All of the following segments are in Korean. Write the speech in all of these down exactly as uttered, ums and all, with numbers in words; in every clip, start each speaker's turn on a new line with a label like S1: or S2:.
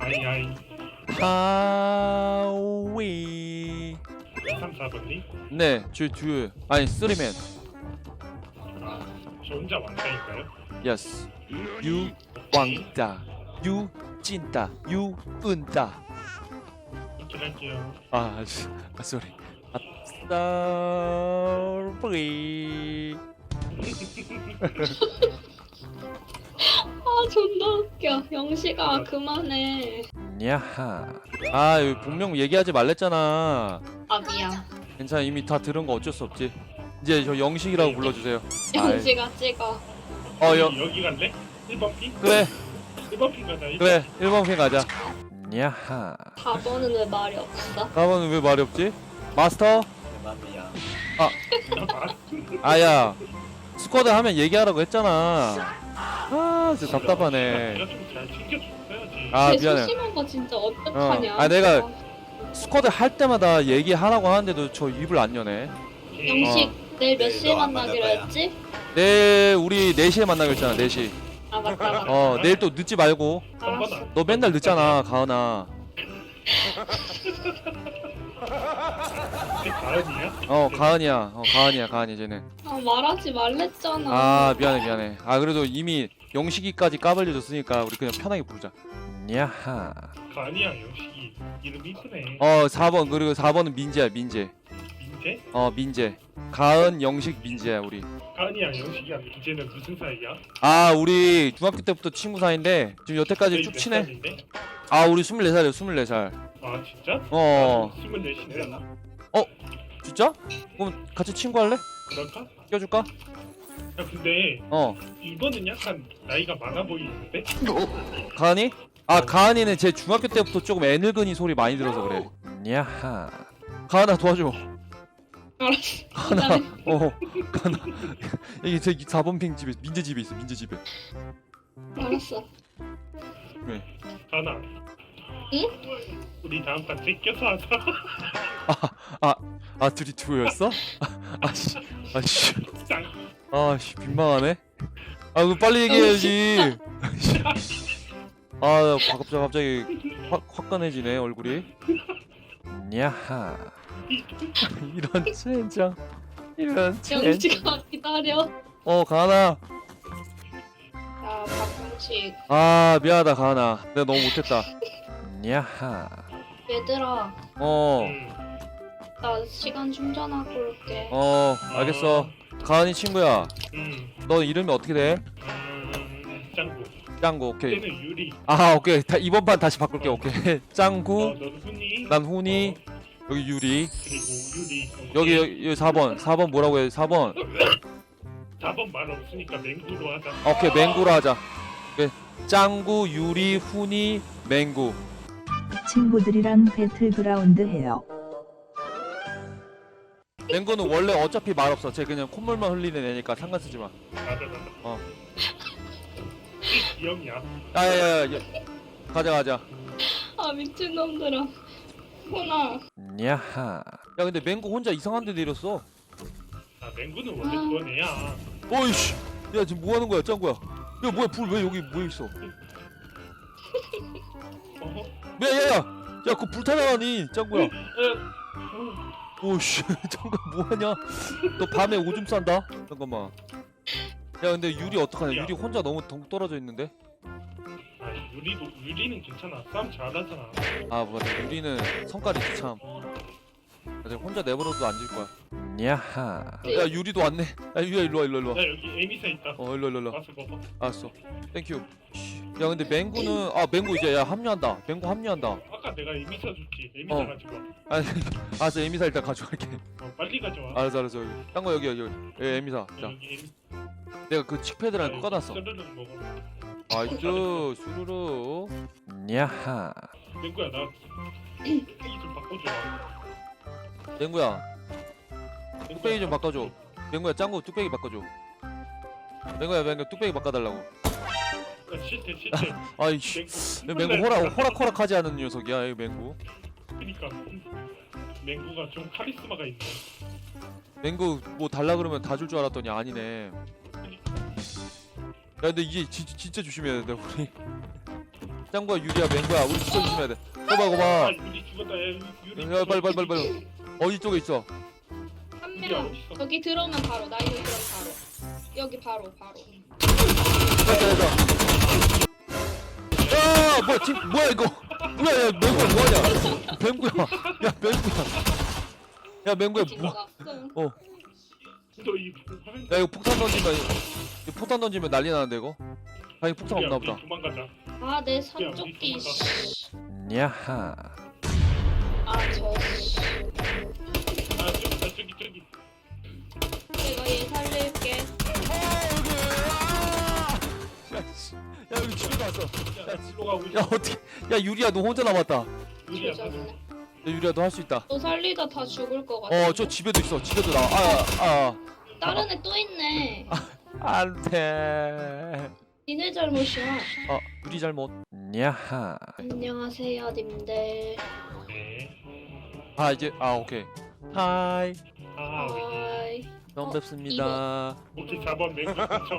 S1: 아이 아이
S2: 하위.
S1: 삼, 사 번님?
S2: 네, 저 듀오. 아니, 쓰리맨.
S1: 아, 저 혼자 왕따일까요?
S2: 예스. 유 왕따. 유 찐따. 유 은따.
S1: 이렇게 할게요.
S2: 아, 씨. 아, 쏘리. 아, 쏘리.
S3: 아 존나 웃겨. 영식아 그만해.
S2: 야하. 아, 여기 본명 얘기하지 말랬잖아.
S3: 아 미안.
S2: 괜찮아, 이미 다 들은 거 어쩔 수 없지. 이제 저 영식이라고 불러주세요.
S3: 영식아 찍어.
S2: 어, 여,
S1: 여기, 여기 갈래? 일 번 핑?
S2: 그래,
S1: 일 번 핑 가자. 일 번.
S2: 그래. 일 번 핑 가자. 야하.
S3: 사 번은 왜 말이 없어?
S2: 가방은 왜 말이 없지? 마스터?
S4: 맘이야.
S1: 아, 봐.
S2: 아야, 스쿼드 하면 얘기하라고 했잖아. 아, 진짜 답답하네.
S1: 내가 좀 잘 챙겨줬어야지.
S2: 아,
S3: 쟤
S2: 미안해.
S3: 소심한 거 진짜 어떡하냐.
S2: 어. 아, 내가 스쿼드 할 때마다 얘기하라고 하는데도 저 입을 안 여네.
S1: 오케이.
S3: 영식 내일 몇
S4: 네,
S3: 시에
S4: 너안
S3: 만나기로
S4: 만날 거야.
S3: 했지?
S2: 내일 우리 네 시에 만나기로 했잖아, 네 시.
S3: 아 맞다 맞다.
S2: 어, 내일 또 늦지 말고.
S3: 알았어.
S2: 너 맨날 늦잖아, 가은아.
S1: 혹시 가은이야?
S2: 어, 가은이야. 어, 가은이야, 가은이 쟤는.
S3: 아 말하지 말랬잖아.
S2: 아, 미안해, 미안해. 아, 그래도 이미 영식이까지 까발려줬으니까 우리 그냥 편하게 부르자. 야하.
S1: 가은이야, 영식이. 이름 이쁘네.
S2: 어, 사 번, 그리고 사 번은 민재야, 민재.
S1: 민재?
S2: 어, 민재. 가은, 영식, 민재야, 우리.
S1: 가은이야, 영식이야. 민재는 무슨 사이야?
S2: 아, 우리 중학교 때부터 친구 사이인데 지금 여태까지
S1: 너희
S2: 쭉
S1: 몇
S2: 친해.
S1: 살인데?
S2: 아, 우리 스물네 살이야, 스물네 살.
S1: 아, 진짜?
S2: 어,
S1: 스물넷이네.
S2: 진짜? 그럼 같이 친구 할래?
S1: 그럴까?
S2: 껴줄까?
S1: 야, 근데
S2: 어,
S1: 이번은 약간 나이가 많아 보이는데?
S2: 가은이? 아, 가은이는 제 중학교 때부터 조금 애늙은이 소리 많이 들어서 그래. 야하. 가은아 도와줘.
S3: 알았어.
S2: 가은아,
S3: 기다려.
S2: 어, 가은아. 여기 제 사 번 핑 집에, 민재 집에 있어, 민재 집에.
S3: 알았어.
S1: 가은아.
S3: 응?
S1: 우리 다음 판 제껴서 하자.
S2: 아, 둘이 두였어? 아씨, 아씨,
S1: 짱.
S2: 아씨, 민망하네. 아, 그 빨리 얘기해야지. 아, 갑자기 갑자기 확 화끈해지네 얼굴이. 야하. 이런 젠장. 이런 젠장.
S3: 영식아 기다려.
S2: 어, 가은아.
S3: 야 박영식.
S2: 아, 미안하다 가은아. 내가 너무 못했다. 야하.
S3: 얘들아
S2: 어,
S1: 음.
S3: 나 시간 충전하고 올게.
S2: 어, 알겠어. 가은이 친구야.
S1: 음.
S2: 너 이름이 어떻게 돼?
S1: 음. 짱구.
S2: 짱구. 오케이.
S1: 때는 유리.
S2: 아, 오케이. 다, 이번 판 다시 바꿀게. 오케이.
S1: 어,
S2: 짱구.
S1: 넌 훈이.
S2: 난 훈이.
S1: 어,
S2: 여기 유리.
S1: 그리고 유리.
S2: 여기 여기, 여기 사 번. 사 번 뭐라고 해? 사 번.
S1: 사 번 말 없으니까 맹구로 하자.
S2: 오케이, 맹구로 하자. 오케이. 짱구, 유리, 훈이, 맹구.
S5: 친구들이랑 배틀그라운드 해요.
S2: 맹구는 원래 어차피 말 없어. 쟤 그냥 콧물만 흘리는 애니까 상관 쓰지 마.
S1: 맞아 맞아.
S2: 어.
S1: 기억이야.
S2: 야야야. 가자 가자.
S3: 아 미친놈들아. 훈아.
S2: 야하. 야, 근데 맹구 혼자 이상한 데 내렸어.
S1: 아 맹구는 원래 그런 애야.
S2: 어이씨. 야, 지금 뭐 하는 거야, 짱구야? 야, 뭐야, 불 왜 여기 모여 있어?
S1: 어?
S2: 야, 야, 야. 야, 그거 불타 나가니, 짱구야.
S1: 어.
S2: 오씨, 잠깐 뭐하냐? 너 밤에 오줌 싼다? 잠깐만. 야, 근데 유리 어떡하냐? 유리 혼자 너무 덩 떨어져 있는데?
S1: 아 유리도 유리는 괜찮아. 싸움 잘하잖아.
S2: 아, 맞아. 유리는 성깔이 참. 내가 혼자 내버려도 안 질 거야. 야하. 야, 유리도 왔네. 야, 유리야, 일로 와, 일로 와, 일로 와.
S1: 야 여기 에미사 있다.
S2: 어, 일로 와, 일로 와, 일로 와.
S1: 가서 먹어.
S2: 알았어. 땡큐. 야, 근데 맹구는 아, 맹구 이제 야 합류한다. 맹구 합류한다.
S1: 아까 내가 에미사 줬지. 에미사
S2: 어.
S1: 가지고 와.
S2: 아, 알았어. 에미사 일단 가져갈게.
S1: 어, 빨리 가져와.
S2: 알았어, 알았어. 여기. 딴 거 여기 여기. 여기. 예, 에미사. 자,
S1: 여기 에미.
S2: 내가 그 칙패드랑
S1: 여기
S2: 꺼놨어.
S1: 스르륵 먹어.
S2: 아이쭈, 수루루. 야하.
S1: 맹구야 나 뚝배기 좀 바꿔줘.
S2: 맹구야, 뚝배기 좀 바꿔줘. 맹구야, 짱구 뚝배기 바꿔줘. 맹구야, 맹구 뚝배기 바꿔달라고.
S1: 야, 싫대 싫대.
S2: 아이씨,
S1: 맹구.
S2: 맹구 호락 호락호락하지 않은 녀석이야, 이 맹구.
S1: 그니까 맹구가 좀 카리스마가 있네.
S2: 맹구 뭐 달라 그러면 다 줄 줄 알았더니 아니네. 야, 근데 이게 진, 진짜 조심해야 된다 우리. 짱구야 유리야 맹구야 우리 진짜 조심해야 돼. 거봐
S1: 아
S2: 거봐.
S1: 유리 죽었다. 야 유리.
S2: 야 빨리 빨리 빨리 빨리. 어디 쪽에 있어?
S3: 한
S1: 유리
S3: 명.
S1: 어디 있어?
S3: 저기 들어오면 바로. 나 이거 들어오면 바로. 여기 바로 바로.
S2: 됐다 됐다. 야 뭐야 지금 뭐야 이거? 뭐야 야 맹구야 뭐하냐? 맹구야. 야 맹구야. 야 맹구야
S3: 친구
S2: 뭐?
S3: 났어요.
S2: 어.
S1: 너이 화면.
S2: 야 이거 폭탄 던지면 이거 폭탄 던지면 난리 나는데 이거? 아 이거 폭탄 없나 보다.
S1: 도망가자.
S3: 아, 내 삼쪽기.
S2: 야하.
S3: 아, 저.
S1: 아 저기 저기 저기.
S3: 내가 얘 살릴게.
S2: 야 여기 집에 왔어.
S1: 야 일로 가고 있어.
S2: 야 어떻게? 야 유리야 너 혼자 남았다.
S1: 유리야.
S3: 조졌네.
S2: 야 유리야 너 할 수 있다.
S3: 너 살리다 다 죽을 것 같아.
S2: 어 저 집에도 있어. 집에도 나와. 아 아.
S3: 다른 애 또 있네.
S2: 안돼.
S3: 니네 잘못이야.
S2: 아 유리 잘못. 야하.
S3: 안녕하세요, 님들.
S1: 네.
S2: 아 이제 아 오케이. 하이.
S1: 아
S3: 하이.
S2: 처음
S3: 어,
S2: 뵙습니다.
S1: 오케이 사 번 맹구 그쵸?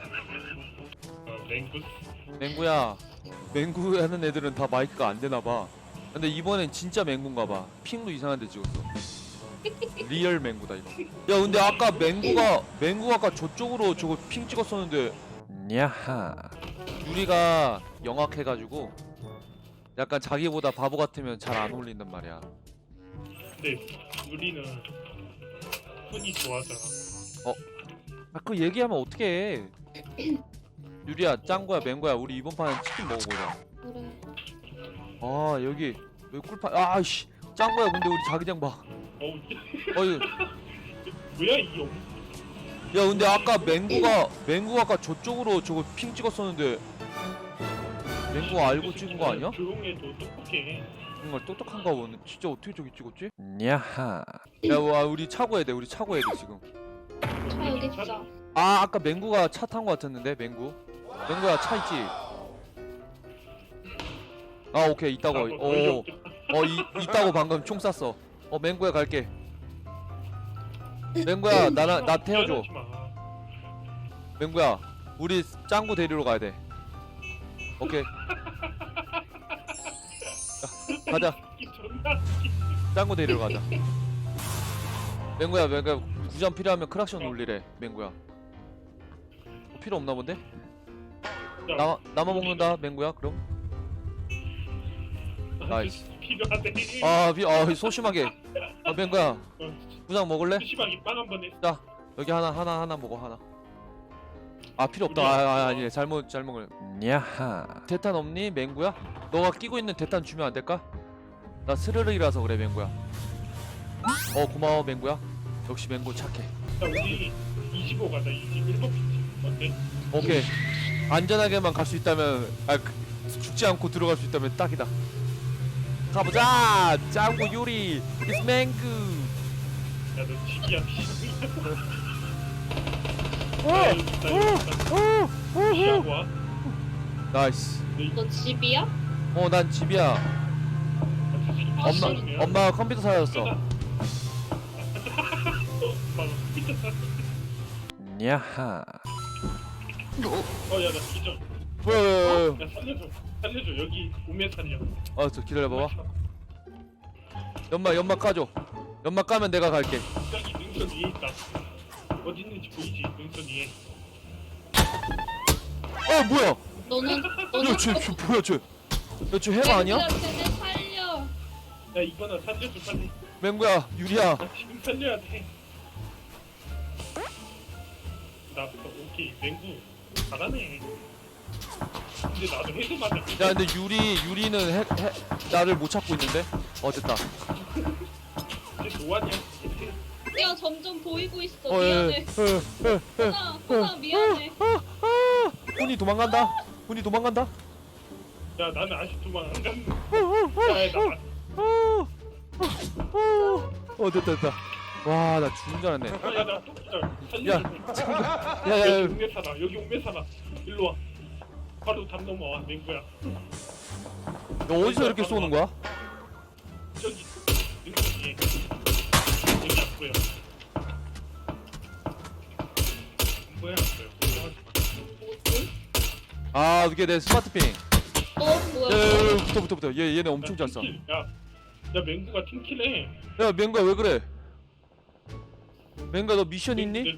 S1: 어 맹구.
S2: 맹구야. 맹구 하는 애들은 다 마이크가 안 되나 봐. 근데 이번엔 진짜 맹구인가 봐. 핑도 이상한데 찍었어. 리얼 맹구다 이거. 야 근데 아까 맹구가 맹구가 아까 저쪽으로 저거 핑 찍었었는데. 야하. 유리가 영악해가지고 약간 자기보다 바보 같으면 잘 안 어울린단 말이야.
S1: 근데 유리는 손이 좋아하잖아.
S2: 아 그 얘기하면 어떡해. 유리야 짱구야 맹구야 우리 이번 판은 치킨 먹어보자.
S3: 그래.
S2: 아 여기 여기 꿀판 아씨 짱구야 근데 우리 자기장 봐.
S1: 어우
S2: 어이
S1: 뭐야 이 영.
S2: 야 근데 아까 맹구가 맹구가 아까 저쪽으로 저거 핑 찍었었는데 맹구가 알고 찍은 거 아니야?
S1: 조용해도 똑똑해.
S2: 정말 똑똑한가 보네. 진짜 어떻게 저기 찍었지? 야하. 야와 우리 차고 해야 돼. 우리 차고 해야 돼 지금.
S3: 차 여기 있자.
S2: 아 아까 맹구가 차 탄 거 같았는데 맹구. 맹구야 차 있지? 아 오케이 있다고. 어, 어 이, 있다고 방금 총 쐈어. 어 맹구야 갈게. 맹구야 나나 나 태워줘. 맹구야 우리 짱구 데리러 가야 돼. 오케이. 야, 가자. 짱구 데리러 가자. 맹구야 맹구야 구장 필요하면 크락션 울리래. 맹구야. 어, 필요 없나 본데? 나 나만 먹는다 맹구야 그럼. 나이스.
S1: 필요하대.
S2: 아, 비, 아 소심하게. 아 맹구야 구장 먹을래?
S1: 심하게 빵 한번 해.
S2: 여기 하나 하나 하나 먹어 하나. 아 필요 없다. 아, 아 아니 잘못 잘못 먹을. 야하. 대탄 없니 맹구야? 너가 끼고 있는 대탄 주면 안 될까? 나 스르륵이라서 그래 맹구야. 어 고마워 맹구야. 역시 맹구 착해.
S1: 자 우리 이십오 가자. 이십일 번 피치. 어때?
S2: 오케이. 안전하게만 갈 수 있다면 아 그, 죽지 않고 들어갈 수 있다면 딱이다. 가보자. 짱구 요리. It's 맹구.
S1: 야너 집이야.
S2: 오!
S1: 피하고 와.
S2: 나이스.
S3: 너 집이야?
S2: 어 난 집이야.
S3: 아,
S2: 엄마
S3: 씨.
S2: 엄마가 컴퓨터 사줬어. 야하.
S1: 어야 나 기절.
S2: 뭐야?
S1: 야 살려줘. 살려줘. 여기 오면 살려.
S2: 어저 기다려봐봐. 연막 연막 까줘. 연막 까면 내가 갈게.
S1: 저기 능선 위에 있다. 어디 있는지 보이지? 능선 위에.
S2: 어 뭐야?
S3: 너는 너는
S2: 야쟤 쟤 뭐야 쟤? 야쟤 해마 아니야?
S3: 쟤네 살려.
S1: 야 이거나 살려줘 빨리.
S2: 맹구야 유리야.
S1: 나 지금 살려야 돼. 나 오케이 맹구 잘하네. 근데 나도 헤드 맞아.
S2: 야 근데 유리 유리는 해, 해, 나를 못 찾고 있는데? 어 됐다.
S1: 이제 노안이야.
S3: 야, 점점 보이고 있어.
S2: 어, 예,
S3: 미안해.
S2: 예, 예, 예.
S3: 호나, 호나 미안해.
S2: 아, 아, 훈이 도망간다. 훈이 도망간다.
S1: 야 나는 아직 도망 안 갔네.
S2: 어, 어,
S1: 야나
S2: 어, 어, 어 됐다 됐다. 와 나 죽는 줄 알았네.
S1: 야나 또 기절.
S2: 야,
S1: 살려줘.
S2: 잠깐.
S1: 여기
S2: 야야야.
S1: 옥내 살아. 여기 옥내 살아. 일로 와. 바로 담 넘어와 맹구야.
S2: 너 어디서 이렇게 쏘는 거야?
S1: 저기 능선 위에. 여기 안 보여. 안 보여 안 보여. 걱정하지 마.
S3: 뭐지?
S2: 아 이게 내 스마트핑.
S3: 뭐야?
S2: 야야야 붙어 붙어 붙어. 얘 얘네 엄청 잘 싸.
S1: 팀킬. 야, 야 맹구가 팀킬해.
S2: 야 맹구야 왜 그래? 맹구야 너 미션 있니?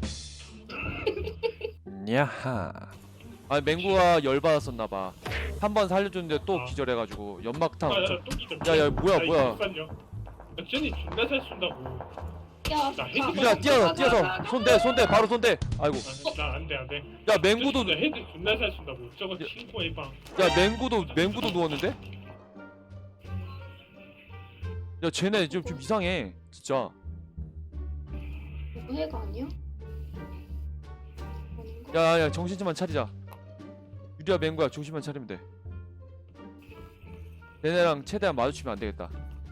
S2: 야하. 아니 맹구가 열 받았었나봐. 한 번 살려줬는데 또
S1: 아.
S2: 기절해가지고 연막탄.
S1: 아, 야,
S2: 엄청-
S1: 또 기절.
S2: 야, 야, 뭐야,
S1: 야,
S2: 뭐야.
S1: 이거 살려. 야, 쟤네 존나 잘 쏜다고.
S3: 야,
S1: 나 헤드
S2: 야 뛰어 뛰어서 손대 손대 바로 손대. 아이고.
S1: 아, 나 안돼 안돼.
S2: 야 맹구도
S1: 나 헤드 존나 잘 쏜다고. 저거
S2: 야.
S1: 친구의 방.
S2: 야 맹구도 맹구도 누웠는데? 야 쟤네 좀, 좀 이상해 진짜.
S3: 이거 해가 아니야? 아닌가?
S2: 야야 정신 좀만 차리자. 유리야 맹구야 정신만 차리면 돼. 얘네랑 최대한 마주치면 안 되겠다.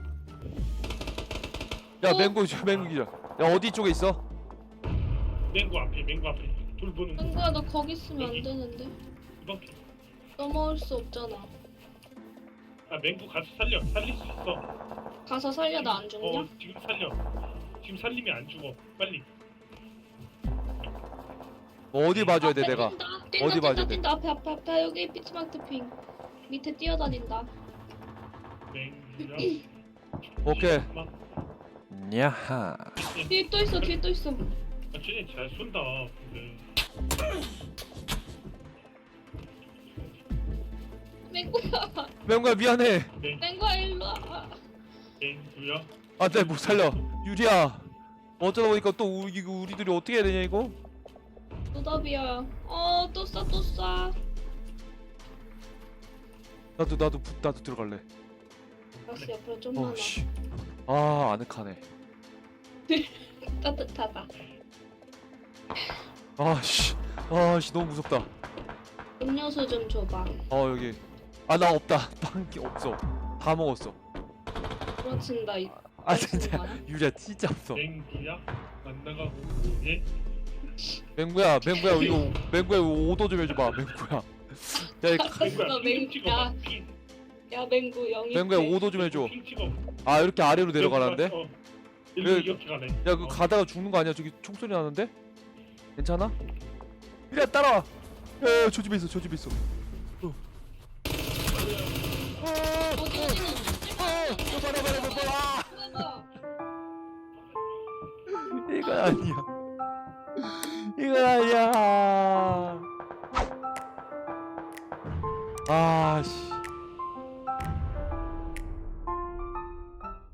S2: 야
S3: 어?
S2: 맹구 저 맹구 기자. 야 어디 쪽에 있어?
S1: 맹구 앞에 맹구 앞에 돌 보는 거.
S3: 맹구야 너 거기 있으면 안
S1: 여기.
S3: 되는데.
S1: 이번 피.
S3: 넘어올 수 없잖아.
S1: 아 맹구 가서 살려. 살릴 수 있어.
S3: 가서 살려 나 안 죽냐?
S1: 어 지금 살려. 지금 살리면 안 죽어. 빨리.
S2: 뭐 어디 봐줘야 돼
S3: 앞에
S2: 내가?
S3: 뛴다. 뛴다,
S2: 어디
S3: 뛴다,
S2: 봐줘야 돼?
S3: 뛴다. 앞에 앞에 앞에 여기 피츠마트 핑 밑에 뛰어다닌다.
S1: 맹구야.
S2: 오케이.
S1: 엄마.
S2: 야하.
S3: 뒤에 또 있어 뒤에 또 있어.
S1: 아 쟤네 잘 쏜다. 근데.
S3: 맹구야
S2: 맹구야 미안해.
S1: 맹
S3: 맹구야 일로 와.
S1: 맹구야.
S2: 안돼 못 살려. 유리야. 어쩌다 보니까 또 우리 이거 우리들이 어떻게 해야 되냐 이거?
S3: 노답이야. 어또 쏴 또 쏴.
S2: 나도 나도 부- 나도 들어갈래.
S3: 역시 옆으로 좀 많아.
S2: 어씨. 아 아늑하네.
S3: 따뜻하다.
S2: 아씨. 아씨 너무 무섭다.
S3: 음료수 좀 줘봐.
S2: 어 여기. 아 나 없다. 빵기 없어. 다 먹었어.
S3: 그렇친다. 이-
S2: 아
S3: 그렇친
S2: 진짜
S3: 거야?
S2: 유리야 진짜 없어.
S1: 맹구야. 만나가고 예.
S2: 맹구야 맹구야 이거 맹구야 이거 오도 좀 해줘봐 맹구야. 야, 이 가-
S1: 맹구야.
S3: 너
S1: 핑 찍어봐.
S3: 맹구야.
S1: 핑.
S3: 야 맹구 영이.
S2: 맹구야 오도 좀 해줘.
S1: 핑 찍어.
S2: 아 이렇게 아래로 내려가라는데?
S1: 어. 일로
S2: 그-
S1: 이렇게 가네.
S2: 야 그
S1: 어.
S2: 가다가 죽는 거 아니야? 저기 총소리 나는데? 괜찮아? 유리야 따라와. 야저 집에 있어 저 집에 있어. 어.
S3: 어디 어디
S2: 어, 저 봐라 봐라 저 봐라.
S3: 봐봐.
S2: 이건 아니야. 이건 아니야. 아씨.